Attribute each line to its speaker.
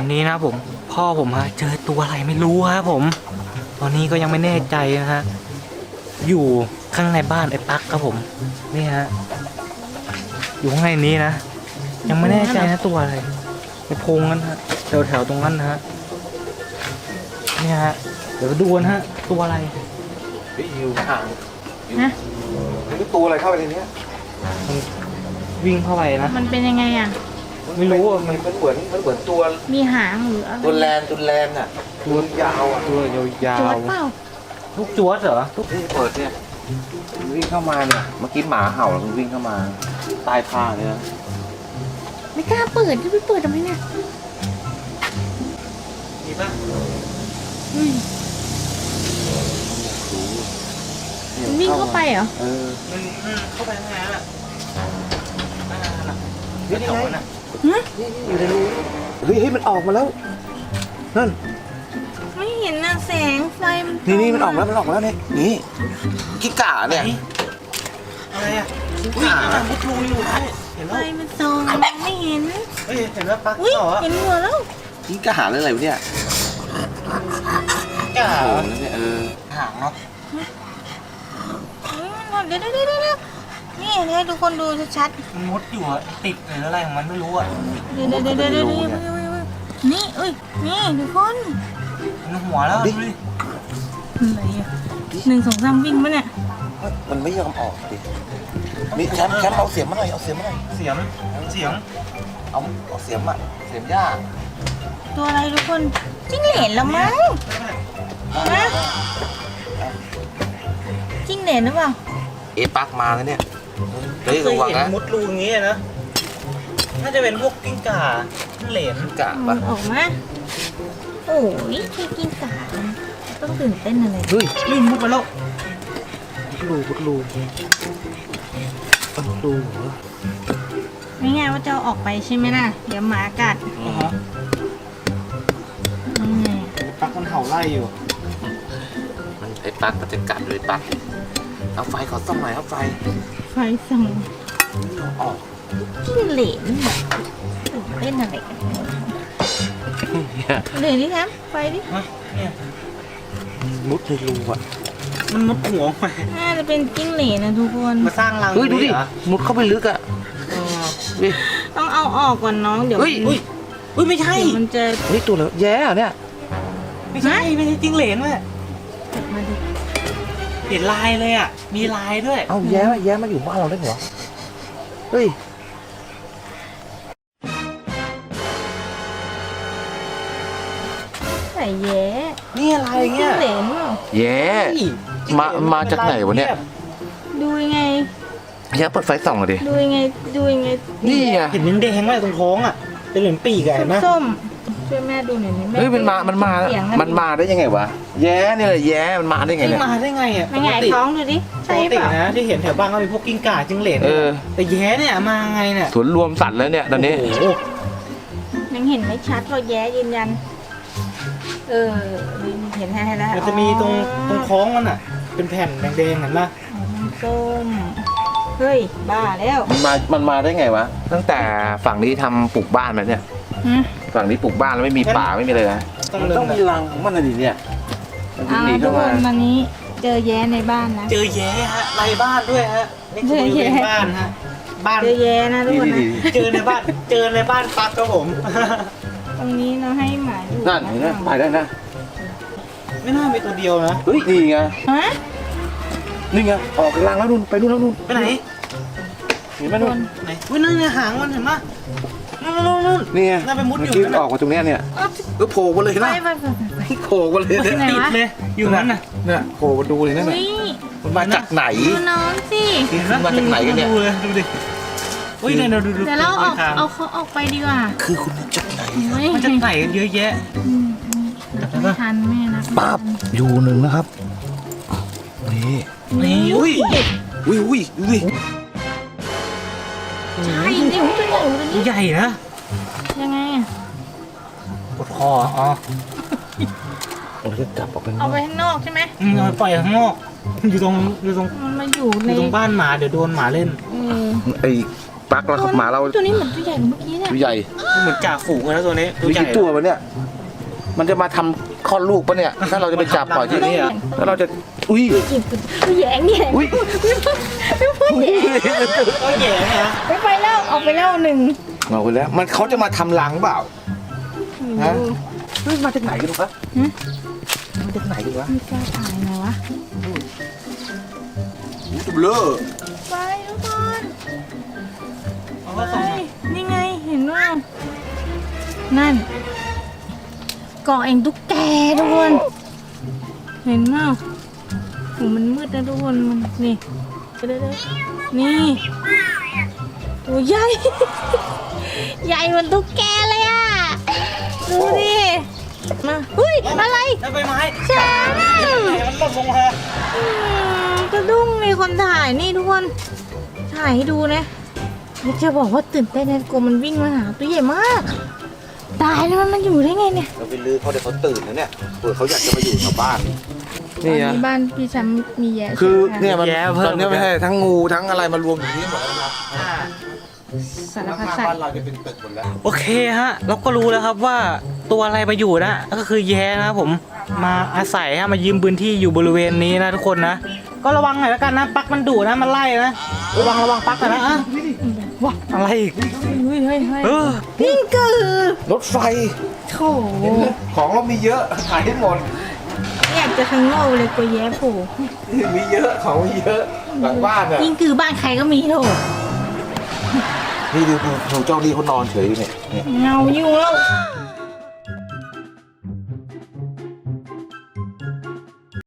Speaker 1: นี้นะผมพ่อผมฮะเจอตัวอะไรไม่รู้ครับผมตอนนี้ก็ยังไม่แน่ใจนะฮะอยู่ข้างในบ้านไอ้ปักครับผมนี่ฮะอยู่ข้างในนี้นะยังไม่แน่ใจนะตัวอะไรในโพรงนั้นฮะแถวตรงนั้นนะฮะนี่ฮะเดี๋ยวดูนะฮะตัวอะไร
Speaker 2: อยู่ห่าง
Speaker 3: นะ
Speaker 2: นี่ตัวอะไรเข้าไปในนี้
Speaker 1: มันวิ่งเข้าไปนะ
Speaker 3: มันเป็นยังไงอ่ะ
Speaker 1: ไม่รู้อ่ะมัน
Speaker 2: มันเหมือนตัว
Speaker 3: มีหางหรืออะไร
Speaker 2: ตัวแลนน่ะตัวยาวอ่ะ
Speaker 1: ตัวยา
Speaker 3: จว
Speaker 1: ว
Speaker 3: ดเปล่า
Speaker 1: ๆลูกจวดเหรอ
Speaker 2: นี่เปิดเนี่ยมันวิ่งเข้ามาเนี่ยเมื่อกี้หมาเห่าแล้วมันวิ่งเข้ามาใต้ผ้าเนี่ย
Speaker 3: ไม่กล้าเปิดจะไปเปิดทำไมเนี่ย
Speaker 1: มีป่ะ
Speaker 3: อืมมันวิ่งเข้าไปเหรอ
Speaker 1: มันเข้าไปข้างในน่ะนี่ไงน่ะ
Speaker 3: ฮะ
Speaker 2: อยู่ในรูเฮ้ยมันออกมาแล้วนั่น
Speaker 3: ไม่เห็นนะแสงไฟมัน
Speaker 2: นี่มันออกแล้วเนี่ยนี่กิ้งก่าเนี่ย
Speaker 1: อะไรอ่ะอุ้ยมันมุดรูอยู่นะเห็น
Speaker 3: ไฟ
Speaker 1: แล้ว
Speaker 3: มันส่องไม่เห็น
Speaker 1: เฮ้ยเห็นแล้วปัก
Speaker 3: อุ้ย
Speaker 1: เหรอ
Speaker 3: เห็นหัวแล้ว
Speaker 2: กิ้งก่าหรืออะไรวะเนี่ย
Speaker 1: กล้า
Speaker 2: โอ้
Speaker 1: เหรอ
Speaker 2: โหเนี่ย
Speaker 1: หางเนาะ
Speaker 3: เดี๋ยวนี่ให้ทุกคนดูชัด
Speaker 1: มันมุดอยู่อะติดหรืออะไรของมันไม่รู้อ่ะ
Speaker 3: ๆเดี๋ยวนี่เอ้ยนี่ทุกคน
Speaker 1: มันหัวแล้วดูดิ
Speaker 3: อะไรอ่ะ1 2 3วิ่งมาเนี่ย
Speaker 2: มันไม่ยอมออกดิมีแคมเอาเสียมมาหน่อยเอาเสียมมาหน่อย
Speaker 1: เสียง
Speaker 2: เอาเสียมอะเสียมหญ้า
Speaker 3: ตัวอะไรทุกคนจิ้งเหลนแล้วมั้งนะจิ้งเหลนหรือเปล่า
Speaker 2: ปักมาแล้วเนี่ยเฮ้ย
Speaker 1: เค
Speaker 2: ระ
Speaker 1: ย
Speaker 2: วัง
Speaker 1: เห็น
Speaker 2: นะ
Speaker 1: มุดรูอย่างงี้นะน่าจะเป็นพวกกิ้งก่าเหลน
Speaker 2: กิ้งก่า
Speaker 3: มั
Speaker 2: ปะ
Speaker 3: นออกมาโอ้ยที่กินกาต้องตื่นเต้นอะไร
Speaker 2: เฮ้ย
Speaker 1: ลื่นมุดมาแล้ว
Speaker 2: มุดรูเหรอ
Speaker 3: ไม่ไงว่าจะเอาออกไปใช่ไหมล่ะเดี๋ยวหมากัดนี่ไง
Speaker 1: ปักมันเห่าไล่อยู่
Speaker 2: มันไอ้ปักมันจะกัดเลยปักเอาไฟขอส่องหน่อยเอาไฟ
Speaker 3: ไฟส่อง
Speaker 2: ออก
Speaker 3: จิ้งเหลนตื่นเต้นอะไรกันเหลนดิแทมไฟดิ
Speaker 1: ฮะเนี่ย
Speaker 2: มุดในรูอ่ะ
Speaker 1: มันมุดหัวไป
Speaker 3: น่าจะเป็นจิ้งเหลนนะทุกคน
Speaker 1: มาสร้างรัง
Speaker 2: เฮ้ยดูดิ
Speaker 1: เหรอ
Speaker 2: มุดเข้าไปลึกอ่ะ
Speaker 1: เออ
Speaker 2: ดิ
Speaker 3: ต้องเอาออกก่อนน้องเดี๋ยว
Speaker 2: เฮ้ย
Speaker 1: อุ้ยไม่ใช่
Speaker 3: เดี๋ยวมันจะ
Speaker 2: เฮ้ยตัวแล้วแย่เหรอเนี่ย
Speaker 1: ไม่ใช่จิ้งเหลนเว้ย
Speaker 3: มาดิ
Speaker 1: เห็นลายเลยอ่ะมีลายด้วย
Speaker 2: เอ้าแย่มาอยู่บ้านเราได้เหรอเฮ้ย
Speaker 3: ใส่แย้
Speaker 1: นี่อะไร
Speaker 3: จิ้
Speaker 1: เงี้
Speaker 3: ง
Speaker 1: ย
Speaker 3: เหลนเปล่า
Speaker 2: แย่มาจากไหนวะเนี่ย
Speaker 3: ดูยังไง
Speaker 2: แย่เปิดไฟส่องเลยดิ
Speaker 3: ดูยังไงดูยังไง
Speaker 2: นี่ไง
Speaker 1: เห็นแดงๆไหมตรงท้องอ่ะเป็นเหมือนปีกอะเห็นไหม
Speaker 3: ส้มๆช่วยแม่ดูหน่อยนี่แม่
Speaker 2: เฮ้ยมันมา
Speaker 3: เสียง
Speaker 2: มันมาได้ยังไงวะแย่เนี่ยแหละแย่มันมาได้ไง
Speaker 1: นี่
Speaker 2: เนี่ย
Speaker 1: มาได้ไงอ่ะ
Speaker 3: ไม่ไงท้องดูดิ
Speaker 1: ป
Speaker 3: ใช่
Speaker 1: ก
Speaker 3: เป
Speaker 1: ติ
Speaker 3: ล่า
Speaker 1: นะที่เห็นแถวบ้านก็มีพวกกิ้งก่าจิ้งเหลน
Speaker 2: เออ
Speaker 1: แต่แย้เนี่ยมาไงเนี่ย
Speaker 2: สวนรวมสัตว์แล้วเนี่ยตอนนี้
Speaker 1: โอ้โห
Speaker 3: ยังเห็นไม่ชัดว่าแย้ยืนยันเห็นให้แล้ว
Speaker 1: มันจะมีตรงท้องมันอ่ะ เป็นแผ่นแดงๆเห็นปะ
Speaker 3: ส้มเฮ้ยบ้าแล้ว
Speaker 2: มันมาได้ไงวะตั้งแต่ฝั่งนี้ทำปลูกบ้านมาเนี่ย
Speaker 3: ฮะ
Speaker 2: ฝั่งนี้ปลูกบ้านแล้วไม่มีป่าไม่มีเลยนะ
Speaker 1: ต้องมี
Speaker 2: รังของมันอะไรเนี่ยมัน
Speaker 3: เอา
Speaker 2: หนี
Speaker 3: ทุ
Speaker 2: เข้าก
Speaker 3: ค
Speaker 2: มาน
Speaker 3: วันนี้เจอแย้ในบ้านนะ
Speaker 1: เจอแย้ฮะไรบ้านด้วยฮะนี่คือบริเวณบ้านฮะบ้าน
Speaker 3: เจอแย้นะทุกคนนะ
Speaker 1: เจอในบ้านปักครับผม
Speaker 3: ตรงนี้เราให้หมาอยู่
Speaker 2: นั่นเห็นไหมไปได้นะ
Speaker 1: ไม่น่ามีตัวเดียวนะ
Speaker 2: เฮ้ยนี่ไง
Speaker 3: ฮะ
Speaker 2: นี่ไงออกรังแล้วนู่นไปนู่นแล้วนู่น
Speaker 1: ไปไหน
Speaker 2: เห็นไหมนู่น
Speaker 1: ไหนอุ้ยนั่นไงหางมันเห็นปะนู่น
Speaker 2: นี่ไง
Speaker 1: น่าไปมุดอยู่
Speaker 2: เมื่อกี้
Speaker 1: นั่นน่ะ
Speaker 2: ออกมาตรงเนี้ยเนี่ย
Speaker 3: เอา
Speaker 2: ก็โผล่มาเลย
Speaker 3: ไป
Speaker 2: นะ
Speaker 3: ไป
Speaker 2: โผล่มาเลยเนี่ย
Speaker 3: ไหน
Speaker 1: ติด
Speaker 3: วะ
Speaker 1: เลยอยู่นั้นน่ะ
Speaker 2: เนี่ยโผล่มาดูเลยนั่น
Speaker 3: อุ้
Speaker 2: น่ะ
Speaker 3: ย
Speaker 2: มันมาจากไหน
Speaker 3: ดูน้องสิ
Speaker 2: มาจากไหนกันเนี่ย
Speaker 1: ดูเลยดูดิอุ้ยเนี่ยดู
Speaker 3: เดี๋ยวเราเอา
Speaker 1: ทาง
Speaker 3: เอาเขาออกไปดีกว่า
Speaker 2: คือคุณมาจากไหน
Speaker 1: มันจะไก่กันเยอะแยะ
Speaker 3: ไม่ทันแม่นะ
Speaker 2: ปั๊บอยู่หนึ่งนะครับนี่
Speaker 1: นี่
Speaker 2: อุ้ยอุ้ย
Speaker 3: ใช่เดี๋ยวตัวใหญ่ตัวนี้
Speaker 1: ใหญ่นะ
Speaker 3: ยังไงอ่ะ
Speaker 1: กดคออ๋อ
Speaker 2: เราจะจับออกไป
Speaker 3: เอาไปข้างนอกใช่ไหม
Speaker 1: เอาไปปล่อยข้างนอกอยู่ตรง
Speaker 3: มันมาอยู่
Speaker 1: อ
Speaker 3: ใน
Speaker 1: ยู่ตรงบ้านหมาเดี๋ยวโดนหมาเล่น
Speaker 3: เออ
Speaker 2: ไอ้ปักแล้วหมาเรา
Speaker 3: ตัวนี้เหมือนตัวใหญ่กว่าเมื่อกี้เนี่ย
Speaker 2: ตัวใหญ่
Speaker 1: เหมือนจ่าฝูงเลยนะตัวนี้
Speaker 2: มีกี่ตัววะเนี่ยมันจะมาทำคลอดลูกปะเนี่ยถ้าเราจะไปจับปล่อยที่นี่ถ้าเราจะอุ้ย
Speaker 3: หยิบตัวแหยงเนี่ย
Speaker 2: อุ้ย
Speaker 3: ไม่พูดแหยง
Speaker 1: ก็แย่นะ
Speaker 3: ไม่ไปแล้วออกไปแล้วหนึ่ง
Speaker 2: เอาไปแล้วมันเขาจะมาทำรังเปล่าฮะเฮ้ยมาจากไหนกันวะมาจากไหนกันวะ
Speaker 3: ไม่กล้าถ่ายไงวะ
Speaker 2: จุบเลอ
Speaker 3: ไปทุกคน
Speaker 1: เขาก็ส่ง
Speaker 3: ไปนี่ไงเห็นว่านั่นเกาะเองตุ๊กแกทุกคนเห็นว่าโหมันมืดนะทุกคนมันนี่เด้อนี่ตัวใหญ่ ใหญ่เหมือนตุ๊กแกเลยอ่ะดูดิมาเฮ้ยอะไร
Speaker 1: แล้วใบไม้
Speaker 3: ช้าง
Speaker 1: มันหล่นลงมา
Speaker 3: กระดุ้งมีคนถ่ายนี่ทุกคนถ่ายให้ดูนะจะบอกว่าตื่นเต้นนะกลัวมันวิ่งมาหาตัวใหญ่มากตายแล้วมันอยู่ได้ไงเนี่ย
Speaker 2: เราไปลือเขาเดี๋ยวเขาตื่นนะเนี่ยเผื่อเขาอยากจะมาอยู่แถวบ้าน
Speaker 3: ตอนนี้บ้านพี่แชมป์มีแย่
Speaker 2: คือ
Speaker 3: ใช่ไหม
Speaker 2: เนี่ยมันตอนนี้ไม่ใช่ทั้งงูทั้งอะไรมารวมอยู่ที่นี่หมดแล้วนะครับ
Speaker 3: สารพัด
Speaker 2: ข้าง
Speaker 3: สัต
Speaker 2: บ้าน
Speaker 3: ว์
Speaker 2: เราจะเป็นตึกหมดแล้ว
Speaker 1: โอเคฮะเราก็รู้แล้วครับว่าตัวอะไรมาอยู่นะก็คือแย้นะครับผมมาอาศัยฮะมายืมพื้นที่อยู่บริเวณนี้นะทุกคนนะก็ระวังหน่อยแล้วกันนะปักมันดุนะมันไล่นะระวังปักหน่อยนะว้าอะไรอีก
Speaker 3: เฮ้ยเฮ้ยเฮ้ย
Speaker 1: เออ
Speaker 3: พิงกือ
Speaker 2: รถไฟ
Speaker 3: โถ
Speaker 2: ของเรามีเยอะขายได้หมด
Speaker 3: อยากจะทั้งโง่เลยกลัวแย่โผล่
Speaker 2: มีเยอะของมีเยอะหลังบ้านอ่ะ
Speaker 3: พิงกือบ้านใครก็มีโถ
Speaker 2: นี่ดูเจ้านี่เขานอนเฉยอยู่เนี่ย
Speaker 3: เงาอยู่แล้ว
Speaker 2: เ